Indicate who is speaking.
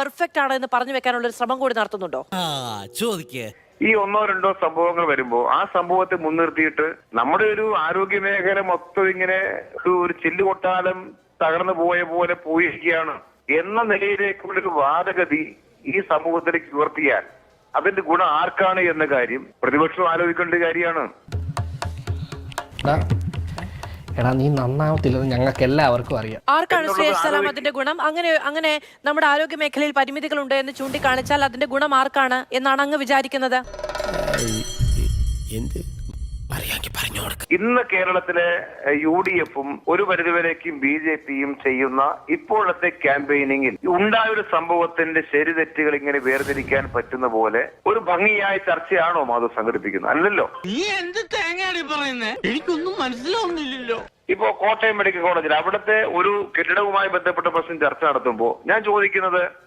Speaker 1: Perfect ആണ് എന്ന് പറഞ്ഞു വെക്കാനുള്ള ഒരു ശ്രമം കൂടി നടത്തുന്നുണ്ടോ?
Speaker 2: ചോദിക്കേ.
Speaker 3: ഈ ഒന്നോ രണ്ടോ സംഭവങ്ങൾ വരുമ്പോ ആ സംഭവത്തെ മുൻനിർത്തിയിട്ട് നമ്മുടെ ഒരു ആരോഗ്യ മേഖല മൊത്തം ഇങ്ങനെ ഒരു ചില്ലുകൊട്ടാലം തകർന്നു പോയ പോലെ പോയിരിക്കുകയാണ് എന്ന നിലയിലേക്കുള്ളൊരു വാദഗതി ഈ സമൂഹത്തിലേക്ക് ഉയർത്തിയാൽ അതിന്റെ ഗുണം ആർക്കാണ് എന്ന കാര്യം പ്രതിപക്ഷം ആലോചിക്കേണ്ട കാര്യമാണ്.
Speaker 4: എടാ നീ നന്നാവത്തില്ലെന്ന് ഞങ്ങൾക്ക് എല്ലാവർക്കും അറിയാം.
Speaker 1: ആർക്കാണ് സലാം അതിന്റെ ഗുണം? അങ്ങനെ നമ്മുടെ ആരോഗ്യ മേഖലയിൽ പരിമിതികളുണ്ട് എന്ന് ചൂണ്ടിക്കാണിച്ചാൽ അതിന്റെ ഗുണം ആർക്കാണ് എന്നാണ് അങ്ങ് വിചാരിക്കുന്നത്?
Speaker 3: ഇന്ന് കേരളത്തിലെ UDF-ഉം ഒരു പരിധിവരേക്കും BJP-യും ചെയ്യുന്ന ഇപ്പോഴത്തെ ക്യാമ്പയിനിങ്ങിൽ ഉണ്ടായൊരു സംഭവത്തിന്റെ ശരിതെറ്റുകൾ ഇങ്ങനെ വേർതിരിക്കാൻ പറ്റുന്ന പോലെ ഒരു ഭംഗിയായ ചർച്ചയാണോ മാധവ് സംഘടിപ്പിക്കുന്നത്? അല്ലല്ലോ.
Speaker 2: നീ എന്ത് തേങ്ങയാണ് പറയുന്നേ? എനിക്കൊന്നും മനസ്സിലാവുന്നില്ലല്ലോ.
Speaker 3: ഇപ്പോ കോട്ടയം മെഡിക്കൽ കോളേജിൽ അവിടുത്തെ ഒരു കെട്ടിടവുമായി ബന്ധപ്പെട്ട പ്രശ്നം ചർച്ച നടത്തുമ്പോൾ ഞാൻ ചോദിക്കുന്നത്,